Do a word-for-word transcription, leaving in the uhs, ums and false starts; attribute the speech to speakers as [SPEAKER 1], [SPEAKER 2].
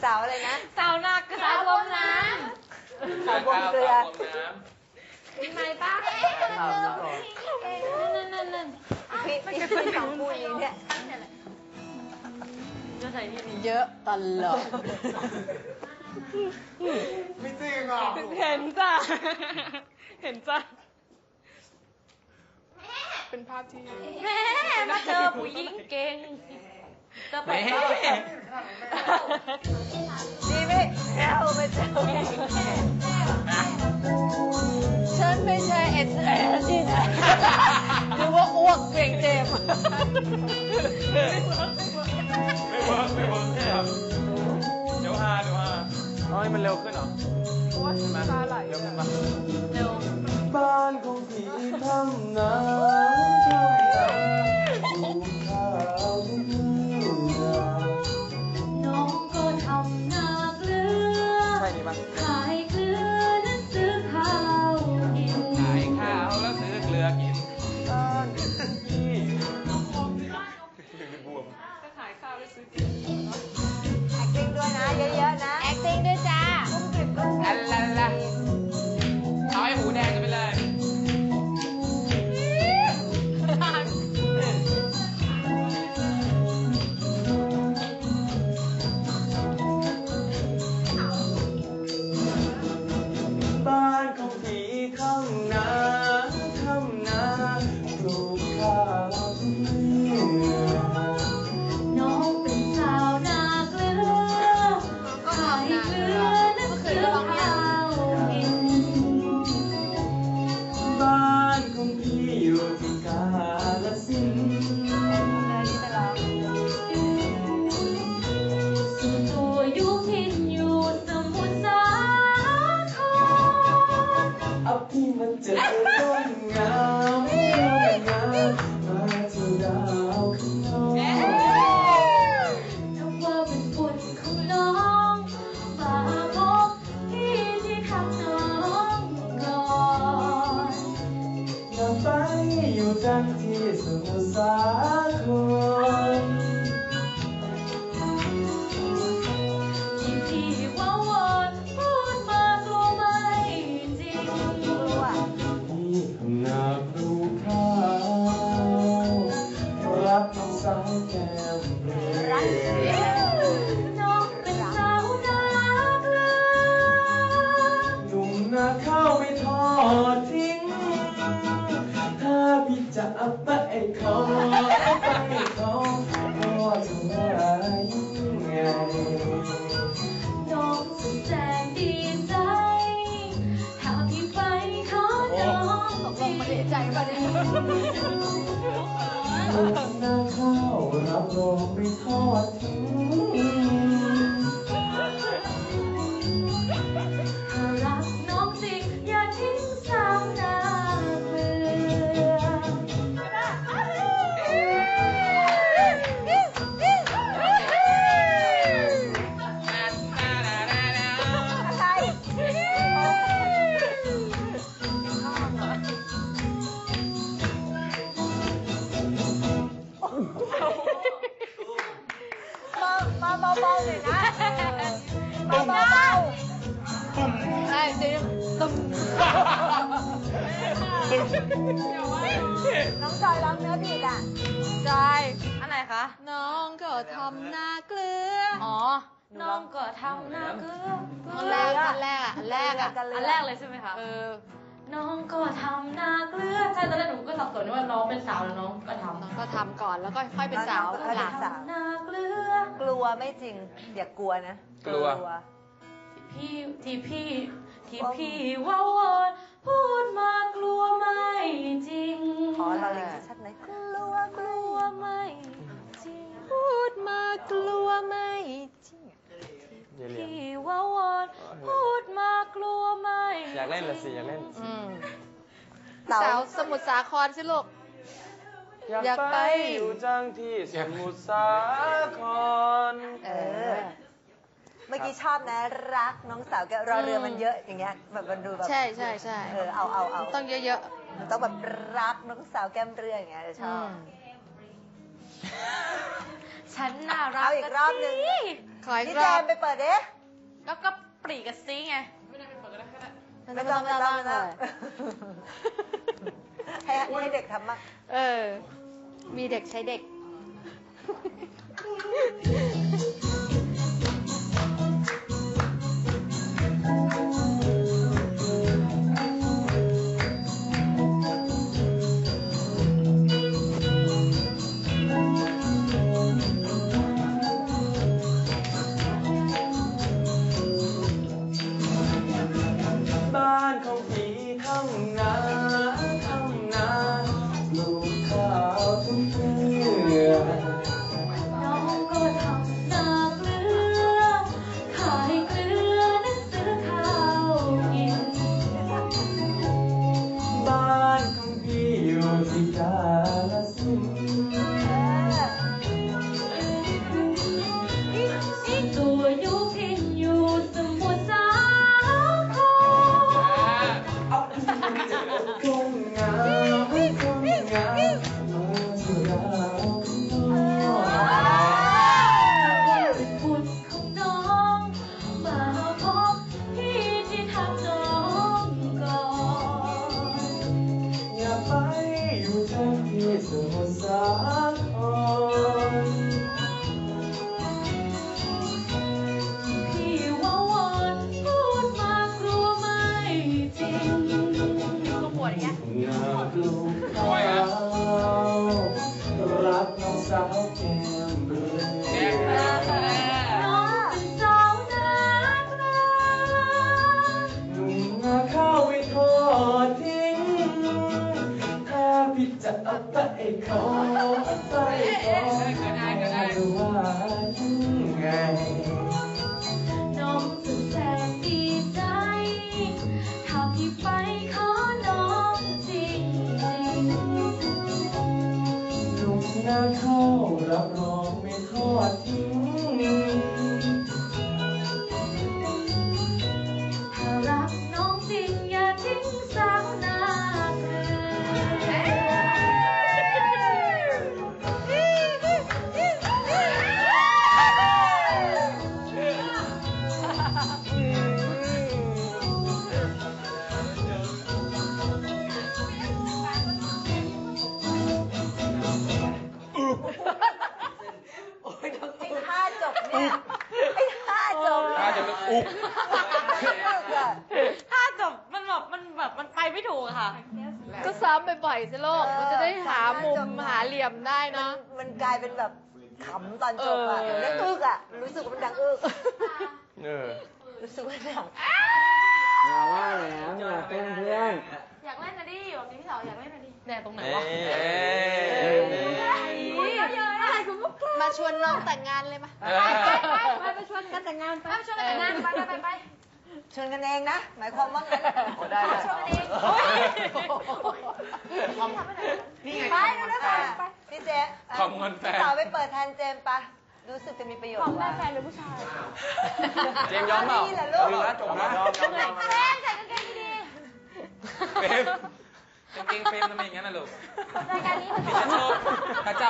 [SPEAKER 1] สาวอะไรนะ
[SPEAKER 2] สาวนาเกลือสาวบวมน้
[SPEAKER 1] ำสาวบวมเกลือ
[SPEAKER 2] มีไหมป้านั่นนั่นนั่น
[SPEAKER 1] พี่พี่สองคู่นี้เนี่ย
[SPEAKER 2] เยอะตลอด
[SPEAKER 3] ไม่จริงอ่ะ
[SPEAKER 2] เห็นจ้ะเห็นจ้ะเป็นภาพที่แม่มาเจอผู้หญิงเก่งเจอไปดี
[SPEAKER 1] ไหมเราไปเจอ
[SPEAKER 2] ฉันไม่ใช่เอ็ดแอร์ที่ไหนหรือว่าอ้วกเกรงเจ็บ
[SPEAKER 3] ไม่เวิร์กไม่เวิร์กครับเดี๋ยวฮาเดี๋ยวฮาเอาให้มันเร็วขึ้นเหรอเพราะว่าตาไหลเร็วขึ้นปะ
[SPEAKER 2] เร็ว
[SPEAKER 3] บ้านของพี่ทำนาทำนาปลูกข้าว
[SPEAKER 2] น้องก็ทำนาเกลือ
[SPEAKER 3] ใช่นี่ปะ
[SPEAKER 2] ขายเกลือและซื้อข้าวกิน
[SPEAKER 3] ขายข้าวแล้วซื้อเกลือกินบ้านพี่บวม
[SPEAKER 2] ก็ขายข้าวแล้วซื้อกิน
[SPEAKER 1] acting ด้วยนะเยอะๆนะ
[SPEAKER 2] acting ด้วยจ้า
[SPEAKER 1] กุ้งกริบกุ้งกริบ
[SPEAKER 3] ลาลาเอาให้หมูแดงกันไปเลยบ้านของพี่ข้างนาข้างนาปลูกข้าว
[SPEAKER 2] น้องเป็นสาวนาเกลือขายเกลือและซื้อข้าวกิน
[SPEAKER 3] บ้านของพี่อยู่ที่กาฬสินธุ์
[SPEAKER 2] ส่วนตัวอยู่พินอยู่สมุทรสาคร
[SPEAKER 3] เอาพี่มาเจอต้นงามต้นงามมาเจอดาวข้างนอก
[SPEAKER 2] นับว่าเป็นบุญของน้องฝากบอกพี่ที่ทำน้องก่อน
[SPEAKER 3] นำไปอยู่จันที่สมุทรสาคร
[SPEAKER 2] ที่พี่ว่าวอนพูดมากลัวไม่จริง
[SPEAKER 3] พี่ทำนาปลูกข้าวรักน้องสาวแก้มเรือ
[SPEAKER 2] น้องเป็นสาวนาเกลือ
[SPEAKER 3] หนุ่มนาข้าวไม่ทอดทิ้งถ้าพี่จะเอาไปขอเอาไปขอก็จะว่ายังไง
[SPEAKER 2] น้องสุดแสนดีใจถ้าพี่ไปขอน้องตกลงมาดีใจป่ะเนี่ย
[SPEAKER 3] หนุ่มนาข้าวรับรองไม่ทอดทิ้ง
[SPEAKER 2] ถ้ารักน้องจริงอย่าทิ้งสาวนาเกลือ
[SPEAKER 1] มาเบาๆหน่อยนะมาเบาๆ
[SPEAKER 2] ใช่จริงตุ้ม
[SPEAKER 1] น้องจอยร้องเนื้อผิดอ่ะ
[SPEAKER 2] จอยอันไหนคะน้องก็ทำนาเกลืออ๋อน้องก็ทำนาเกลืออันแรกอันแรกอันแรกอ่ะอันแรกเลยใช่ไหมคะเออน้องก็ทำนาเกลือใช่ตอนแรกหนูก็สับสนว่าน้องเป็นสาวแล้วน้องก็ทำน้องก็ทำก่อนแล้วก็ค่อยเป็นสาวหลังนาเกลือก
[SPEAKER 1] ลัวไม่จริงอย่ากลัวนะ
[SPEAKER 3] กลัว
[SPEAKER 2] พี่ที่พี่ที่พี่ว่าวอนพูดมากลัวไม่จริง
[SPEAKER 1] ขอเราเลยชัดไหมกลัว
[SPEAKER 2] กลัวไม่จริงพูดมากลัวไม่จริงพี่ว่าวอนพูดมากลัวไม่
[SPEAKER 3] อยากเล่นละสิอยากเล่น
[SPEAKER 2] สาวสมุทรสาครสิลูก
[SPEAKER 3] อยากไปอยู่จังที่สมุทรสาคร
[SPEAKER 1] เออเมื่อกี้ชอบนะรักน้องสาวแกรอเรือมันเยอะอย่างเงี้ยแบบมันดูแบบ
[SPEAKER 2] ใช่ใช่ใช่
[SPEAKER 1] เออเอาเอาเอา
[SPEAKER 2] ต้องเยอะ
[SPEAKER 1] ๆต้องแบบรักน้องสาวแก้มเรืออย่างเงี้ยชอบ
[SPEAKER 2] ฉันน่ารัก
[SPEAKER 1] เอาอีกรอบหนึ่ง
[SPEAKER 2] ขออีก
[SPEAKER 1] พี่
[SPEAKER 2] ร
[SPEAKER 1] แจ
[SPEAKER 2] อบ
[SPEAKER 1] มไปเปิดดิ
[SPEAKER 2] แล้วก็ปรีกับซีไง
[SPEAKER 1] ไม่ต้องไม่ต้องไม่ต้องให้ให้เด็กทำบ้าง
[SPEAKER 2] เออ มีเด็กใช้เด็ก
[SPEAKER 3] บ้านของพี่ทำนาทำนาปลูกข้าวทุกเดือน
[SPEAKER 2] น้องก็ทำนาเกลือ ขายเกลือนั้นซื้อข้าวกิน
[SPEAKER 3] บ้านของพี่อยู่ที่กาฬสินธุ์
[SPEAKER 2] ตัวอยู่พิงอยู่สมุทรสาคร
[SPEAKER 3] ทุ่งนาทุ่งนาเมืองสุราษฎร์
[SPEAKER 2] บุตรของน้องมาพบพี่ที่ทำน้องก่อน
[SPEAKER 3] อย่าไปอยู่ทั้งที่สมุทรสาคร
[SPEAKER 2] พี่ว่าวอนพูดมากลัวไม่จริงก็ปวดอย่างเงี้ย
[SPEAKER 3] อยากลูกข้าวรักน้องสาวแก้มเรือ
[SPEAKER 2] น้องเป็นสาวนาเกลือ
[SPEAKER 3] หนุ่มนาข้าวไม่ทอดทิ้ง ถ้าพี่จะเอาไปขอไปขอจะว่ายังไง
[SPEAKER 2] น้องสุดแสนดีใจ ถ้าพี่ไปขอน้องจริงจริง
[SPEAKER 3] หนุ่มนาข้าวรับรองไม่ทอดทิ้ง
[SPEAKER 2] ถ้ารักน้องจริงอย่าทิ้งสาวนาเกลื
[SPEAKER 1] ไอ้ท่าจบเนี่ย ไอ้ท่าจบ
[SPEAKER 4] ถ้าจะมันอุก
[SPEAKER 2] ถ้าจบมันแบบมันแบบมันไปไม่ถูกอะค่ะ
[SPEAKER 5] ก็ซ้อมบ่อยๆสิโลก มันจะได้หามุมหาเหลี่ยมได้
[SPEAKER 1] มัน
[SPEAKER 5] เนาะ
[SPEAKER 1] มันกลายเป็นแบบขำตอนจบอ่ะ
[SPEAKER 5] เออ
[SPEAKER 1] มันอึกอ่ะ รู้สึกว่ามันดังอึก
[SPEAKER 4] เออ
[SPEAKER 1] รู้สึกว่าดัง
[SPEAKER 3] อย่าว่าแหลมอย่าเป็นเพื่อน
[SPEAKER 2] อยากเล่นนะดิแบบนี้พี่สาวอยากเล่นนะดิ
[SPEAKER 5] แน่ตรงไหน
[SPEAKER 4] เอ้
[SPEAKER 5] วะ
[SPEAKER 4] ย
[SPEAKER 2] อะไรกูมุก
[SPEAKER 5] มาชวนน้องแต่งงานเลยมา
[SPEAKER 4] เออ
[SPEAKER 2] ไปไปชวนกันแต่งงานไปชวนกันแต่งงานไปไปไปไป
[SPEAKER 1] ชวนกันเองนะ หมายความว่างั้น
[SPEAKER 4] ได้ได้
[SPEAKER 2] ชวนกันเอง
[SPEAKER 1] นี่ไงไปนะไปไปพี่เจ๊
[SPEAKER 4] ขอบคุณแฟน
[SPEAKER 1] พี่สาวไปเปิดแทนเจมส์ปะรู้สึกจะมีประโยชน์
[SPEAKER 2] ของ
[SPEAKER 1] ก
[SPEAKER 2] แม่
[SPEAKER 1] ว่า
[SPEAKER 2] แฟนหรือผู้ชาย
[SPEAKER 4] เจมส์ยอมเปล่า
[SPEAKER 1] นี่แหละลูก
[SPEAKER 4] ดูนะจบนะยอมยอมยอม
[SPEAKER 2] แฟนใส่กางเกงดี
[SPEAKER 4] เฟรมจริงๆเฟรมทำไมอย่างนั้นน่ะลูก
[SPEAKER 2] ๆรายการนี้มัน
[SPEAKER 4] พี่จะชอบพระเจ้า